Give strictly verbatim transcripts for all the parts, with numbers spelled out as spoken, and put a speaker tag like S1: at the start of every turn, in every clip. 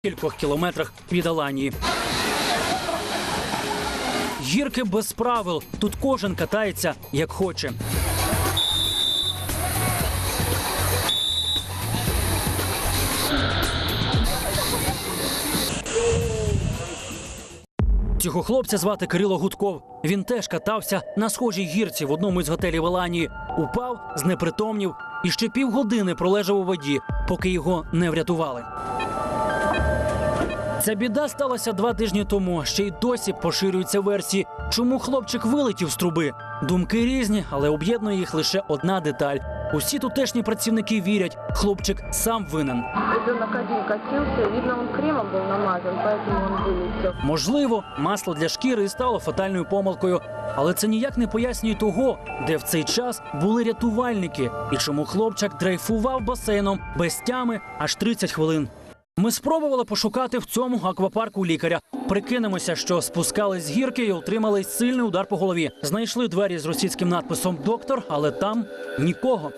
S1: кількох кілометрах від Аланії. Гірки без правил. Тут кожен катається, як хоче. Цього хлопця звати Кирило Гудков. Він теж катався на схожій гірці в одному із готелів Аланії. Упав, знепритомнів і ще півгодини пролежав у воді, поки його не врятували. Ця біда сталася два тижні тому. Ще й досі поширюються версії, чому хлопчик вилетів з труби. Думки різні, але об'єднує їх лише одна деталь. Усі тутешні працівники вірять, хлопчик сам винен.
S2: Ребенок один катился, видно, он кремом был намазан, поэтому он вылетел.
S1: Можливо, масло для шкіри і стало фатальною помилкою. Але це ніяк не пояснює того, де в цей час були рятувальники і чому хлопчик дрейфував басейном без тями аж тридцять хвилин. Ми спробували пошукати в цьому аквапарку лікаря. Прикинемося, що спускались з гірки і отримали сильний удар по голові. Знайшли двері з російським надписом «Доктор», але там нікого.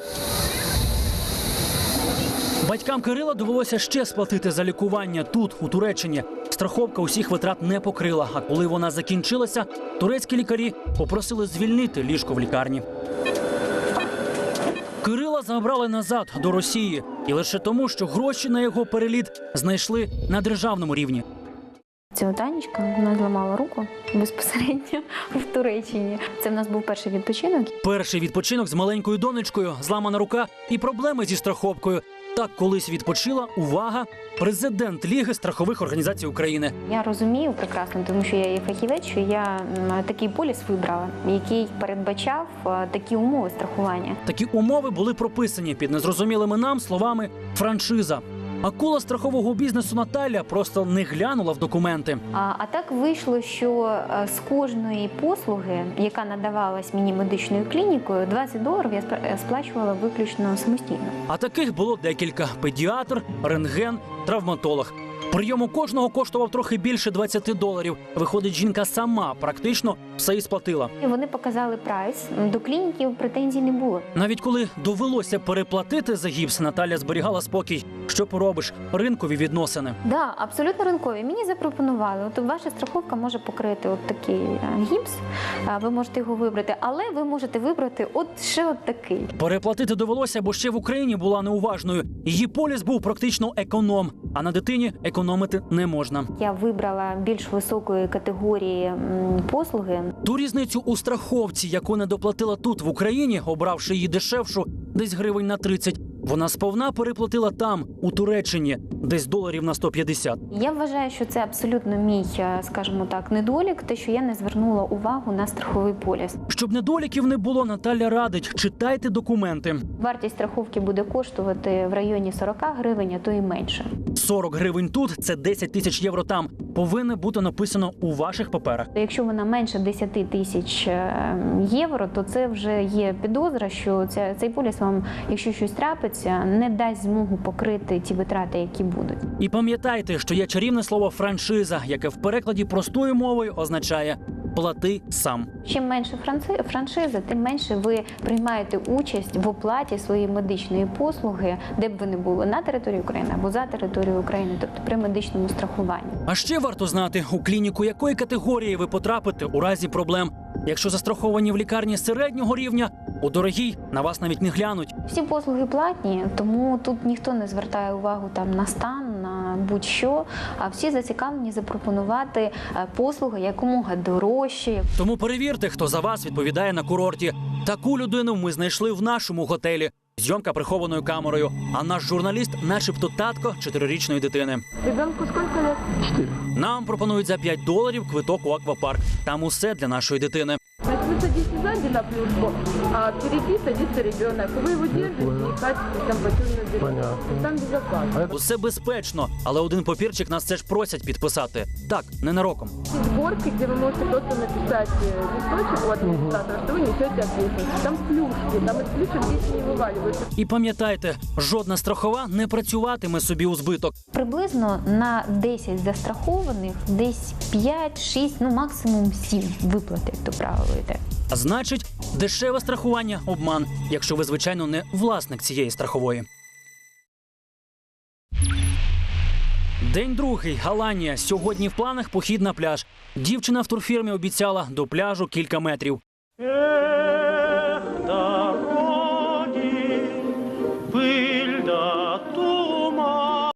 S1: Батькам Кирила довелося ще сплатити за лікування тут, у Туреччині. Страховка усіх витрат не покрила, а коли вона закінчилася, турецькі лікарі попросили звільнити ліжко в лікарні. Кирила забрали назад, до Росії. І лише тому, що гроші на його переліт знайшли на державному рівні.
S3: Цього Танечка, вона зламала руку безпосередньо в Туреччині. Це в нас був перший відпочинок.
S1: Перший відпочинок з маленькою донечкою, зламана рука і проблеми зі страховкою. Так колись відпочила, увага, президент Ліги страхових організацій України.
S3: Я розумію прекрасно, тому що я є фахівець, що я м, такий поліс вибрала, який передбачав а, такі умови страхування.
S1: Такі умови були прописані під незрозумілими нам словами «франшиза». Акула страхового бізнесу Наталя просто не глянула в документи.
S3: А, а так вийшло, що а, з кожної послуги, яка надавалась мені медичною клінікою, двадцять доларів я спра- сплачувала виключно самостійно.
S1: А таких було декілька – педіатр, рентген, травматолог. Прийом у кожного коштував трохи більше двадцять доларів. Виходить, жінка сама практично все і сплатила.
S3: І вони показали прайс, до клініків претензій не було.
S1: Навіть коли довелося переплатити за гіпс, Наталя зберігала спокій. Що поробиш? Ринкові відносини.
S3: Да, абсолютно ринкові. Мені запропонували, от ваша страховка може покрити от такий е, гіпс, а ви можете його вибрати, але ви можете вибрати от ще от такий.
S1: Переплатити довелося, бо ще в Україні була неуважною. Її поліс був практично економ, а на дитині економити не можна.
S3: Я вибрала більш високої категорії м, послуги.
S1: Ту різницю у страховці, яку не доплатила тут, в Україні, обравши її дешевшу, десь гривень на тридцять, вона сповна переплатила там, у Туреччині, десь доларів на сто п'ятдесят.
S3: Я вважаю, що це абсолютно мій, е, скажімо так, недолік, те, що я не звернула увагу на страховий поліс.
S1: Щоб недоліків не було, Наталя радить – читайте документи.
S3: Вартість страховки буде коштувати в районі сорок гривень, а то і менше.
S1: сорок гривень тут – це десять тисяч євро там. Повинно бути написано у ваших паперах.
S3: Якщо вона менше десять тисяч євро, то це вже є підозра, що ця, цей поліс вам, якщо щось трапиться, не дасть змогу покрити ті витрати, які будуть.
S1: І пам'ятайте, що є чарівне слово «франшиза», яке в перекладі простою мовою означає «плати сам».
S3: Чим менше франци- франшиза, тим менше ви приймаєте участь в оплаті своєї медичної послуги, де б ви не були, на території України або за територією України, тобто при медичному страхуванні.
S1: А ще варто знати, у клініку якої категорії ви потрапите у разі проблем. Якщо застраховані в лікарні середнього рівня, у дорогій на вас навіть не глянуть.
S3: Всі послуги платні, тому тут ніхто не звертає увагу там на стан, на будь-що, а всі зацікавлені запропонувати е, послуги якомога дорожчі.
S1: Тому перевірте, хто за вас відповідає на курорті. Таку людину ми знайшли в нашому готелі. Зйомка прихованою камерою. А наш журналіст начебто татко чотирирічної дитини.
S2: Ребенку сколько лет?
S4: Четыре.
S1: Нам пропонують за п'ять доларів квиток у аквапарк. Там усе для нашої дитини.
S2: Значит, вы садитесь сзади на плюшку, а впереди садится ребенок. Вы его держите и катитесь там по темной дороге.
S4: Понятно.
S2: Там безопасно.
S1: Усе безпечно, але один папірчик нас все ж просять підписати. Так, ненароком.
S2: Есть горки, где вы можете просто написать э, листочек у администратора, что вы несете ответственность. Там плюшки, там из плюшек дети не вываливаются.
S1: І пам'ятайте, жодна страхова не працюватиме собі у збиток.
S3: Приблизно на десять застрахованих десь п'ять-шість, ну максимум сім виплати, як то правило йде.
S1: А значить, дешеве страхування – обман, якщо ви, звичайно, не власник цієї страхової. День другий. Аланія. Сьогодні в планах похід на пляж. Дівчина в турфірмі обіцяла до пляжу кілька метрів.